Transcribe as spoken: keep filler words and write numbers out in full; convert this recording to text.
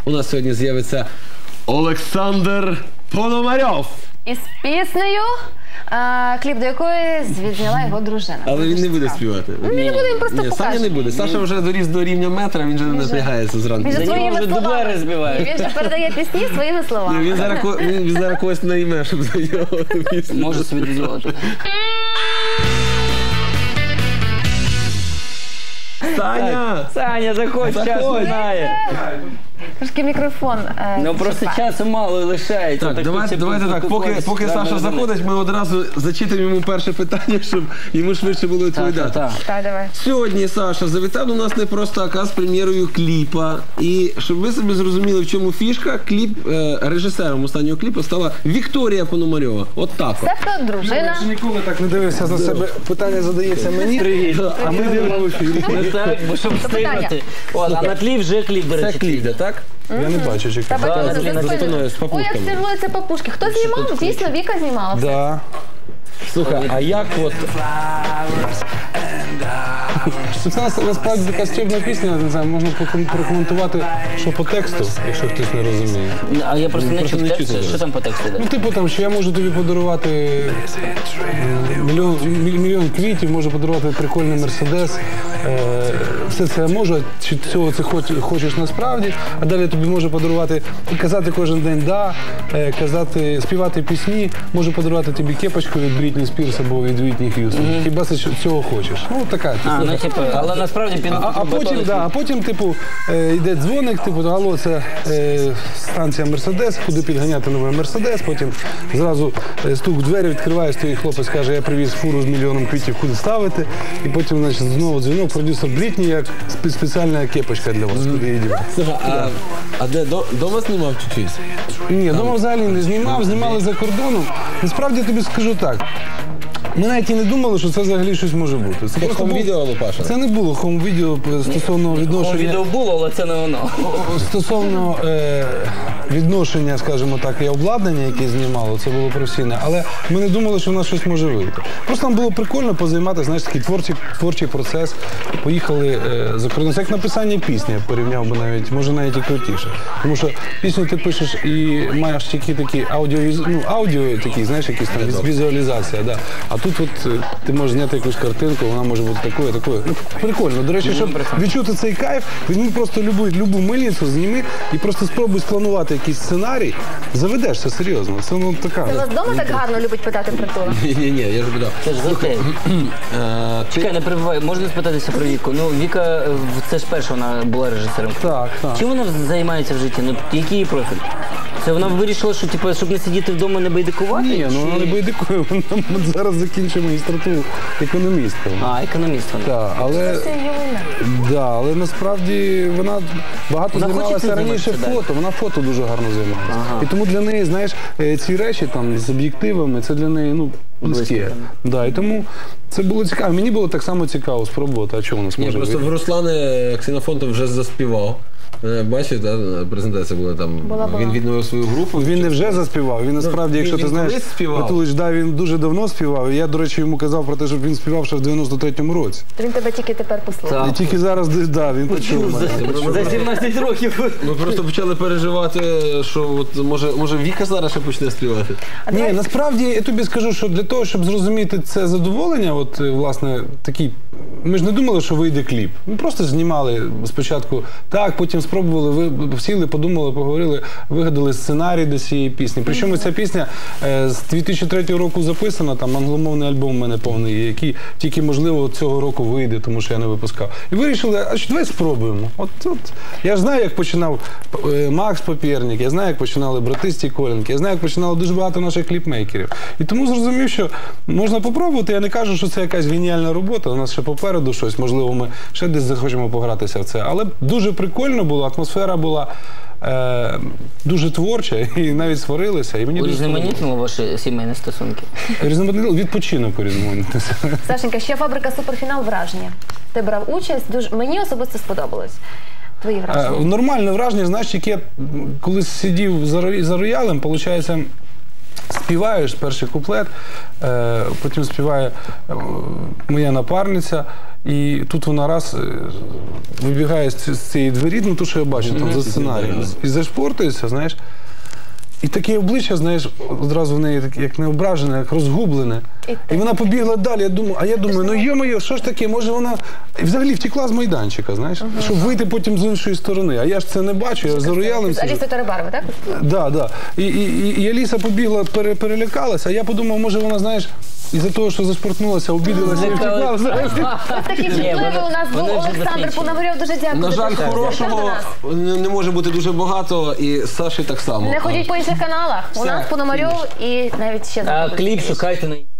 у нас сьогодні з'явиться Олександр Пономарьов. Із піснею, а, кліп до якої відзняла його дружина. Але він не буде співати. Він не буде, він просто Ні, покаже. Саня не буде. Саша вже доріс до рівня метра, він вже не напрягається зранку. Він же За нього своїми вже словами. дублери збивають. Він же передає пісні своїми словами. Ні, він зараз, ко- він, він зараз когось найме, щоб за нього пісню. Може собі дозволити. Саня! Саня, заходь, час Заходь. минає. Трошки мікрофон. е, Ну просто чіпає. часу мало лишається. Так, давайте, хочеться давайте так, поки, поспілкуватися. поки Да, Саша да, да. заходить, ми одразу зачитаємо йому перше питання, щоб йому швидше було Так, відповідати. так, так. Так, давай. Сьогодні Саша завітав до нас не просто, а з прем'єрою кліпа. І щоб ви собі зрозуміли, в чому фішка, кліп, е, режисером останнього кліпу стала Вікторія Пономарьова. От так от. Це хто дружина? Я ж ніколи так не дивився за себе. Питання задається мені, а ми йдемо в ефірі. Ну так, бо щоб встигнути. От, а на тлі вже кліп, до Це речі. кліп, де, так? Я не бачу, чекай. Та бачите, Да, за блін, спиною. спиною, з Ой, як папушками. стилюються папушки. Хто знімав? Дійсно, Віка знімала. все. Да. Слухай, а як от... Це нас- насправді така стібна пісня, не знаю, можна проком- прокоментувати, що по тексту, якщо хтось не розуміє. А я просто не просто чув не тексту, чути що зараз. там по тексту йде? Ну, типу там, що я можу тобі подарувати е, мільйон, міль- мільйон квітів, можу подарувати прикольний мерседес. Е, все це я можу, а чи цього це хоч, хочеш насправді, а далі я тобі можу подарувати, і казати кожен день да, е, казати, співати пісні, можу подарувати тобі кепочку від Брітні Спірс або від Вітні Х'юстон. Хіба ти цього хочеш? Ну, така. А, ну типу, але насправді під А, а потім, да, а потім, типу, е, йде дзвоник, типу, алло, це е, станція Мерседес, куди підганяти новий Мерседес, потім зразу е, стук в двері, відкриваєш, той хлопець каже, я привіз фуру з мільйоном квітів, куди ставити, і потім, значить, знову дзвінок, продюсер Брітні, як спе- спеціальна кепочка для вас, куди її дівати. Слухай, а, а де, до, дома знімав чи чись? Ні, вдома взагалі не знімав, знімали за кордоном. Насправді я тобі скажу так. Ми навіть і не думали, що це взагалі щось може бути. Це Як просто там був- відео, Лупаша? Це не було хом-відео стосовно відношення. відео було, але це не воно. Стосовно е, відношення, скажімо так, і обладнання, яке знімало, це було професійне, але ми не думали, що в нас щось може вийти. Просто нам було прикольно позайматися, знаєш, такий творчий, творчий процес. Поїхали е, за кордон. Це як написання пісні, я порівняв би навіть, може навіть і крутіше. Тому що пісню ти пишеш і маєш тільки такі аудіо, ну, аудіо такі, знаєш, якісь там віз- візуалізація. Да. А тут от, е, ти можеш зняти якусь картинку, вона може бути такою, такою. Ну, прикольно. До речі, щоб відчути цей кайф, візьми просто любу, любу мильницю, зніми і просто спробуй спланувати якийсь сценарій. Заведешся серйозно. Це ну така. Це вас вдома так гарно любить питати про то? Ні-ні-ні, я ж питав. Це ж за те. Е, ти- Чекай, не перебувай, можна спитатися про Віку? Ну, Віка, е, це ж перша вона була режисером. Так, так. Чим вона займається в житті? Ну, який її профіль? Це вона вирішила, що типу, щоб не сидіти вдома, не байдикувати? Ні, ну вона не байдикує, вона от зараз закінчує магістратуру економістка. А, економіст вона. Так, але, Це юна. да, але насправді вона багато Вона хоче займалася цим раніше займатися фото, вона фото дуже гарно займалася. І тому для неї, знаєш, е, ці речі там з об'єктивами, це для неї, ну, близьке. Да, і тому це було цікаво. Мені було так само цікаво спробувати, а чого у нас Ні, може просто вийти? в Руслани Ксенофонтов вже заспівав. Е, Бачив, та, презентація була там, Була, була. він відновив свою групу. Він не вже заспівав, він насправді, він- якщо він ти знаєш, колись співав. Ватулич, да, він дуже давно співав. І я, до речі, йому казав про те, щоб він співав ще в дев'яносто третьому році. То він тебе тільки тепер послухав. Так. І тільки зараз, да, він почув мене. За, за сімнадцять років. Ми просто почали переживати, що от, може, може Віка зараз ще почне співати. А Ні, давай- насправді я тобі скажу, що для того, щоб зрозуміти це задоволення, от е, власне такий, ми ж не думали, що вийде кліп. Ми просто знімали спочатку так, потім спробували, ви сіли, подумали, поговорили, вигадали сценарій до цієї пісні. Причому ця пісня е, з дві тисячі третього року записана, там англомовний альбом у мене повний є, який тільки, можливо, цього року вийде, тому що я не випускав. І вирішили, а що давай спробуємо. От, от. Я ж знаю, як починав е, Макс Попєрнік, я знаю, як починали брати Стіколенки, я знаю, як починало дуже багато наших кліпмейкерів. І тому зрозумів, що можна попробувати. Я не кажу, що це якась геніальна робота, у нас ще попереду щось, можливо, ми ще десь захочемо погратися в це. Але дуже прикольно було, атмосфера була е, дуже творча, і навіть сварилися. І мені дуже Урізноманітнуло ваші сімейні стосунки? різноманітно, відпочинок урізноманітнився. Сашенька, ще фабрика Суперфінал враження. Ти брав участь, дуже мені особисто сподобалось. Твої Е, враження. Нормальне враження, знаєш, яке колись сидів за, ро- за роялем, виходить, співаєш перший куплет, е, потім співає е, моя напарниця, і тут вона раз е, вибігає з, ці- з цієї двері, ну то, що я бачу там за сценарієм, і зашпортується, знаєш. І таке обличчя, знаєш, одразу в неї таке, як не ображене, як розгублене. І І вона побігла далі. Я думаю, а я думаю, ну йо-моє, що ж таке, може вона і взагалі втекла з майданчика, знаєш, щоб вийти потім з іншої сторони. А я ж це не бачу, я за роялем З сиджу. Алісою Тарабаровою, так? Да, да. І, і, і, і Аліса побігла, пере, перелякалася, а я подумав, може вона, знаєш, із-за того, що зашпортнулася, обідалася і втекла. знаєш. Ось такі Ні, чутливі вони- у нас був вони вже Олександр досвідчені. Пономарьов. Дуже дякую. На за жаль, те, що завітав до хорошого нас. не не може бути дуже багато, і Саші так само. Не ходіть по інших каналах. У Все, нас Пономарьов і навіть ще А за кліп шукайте на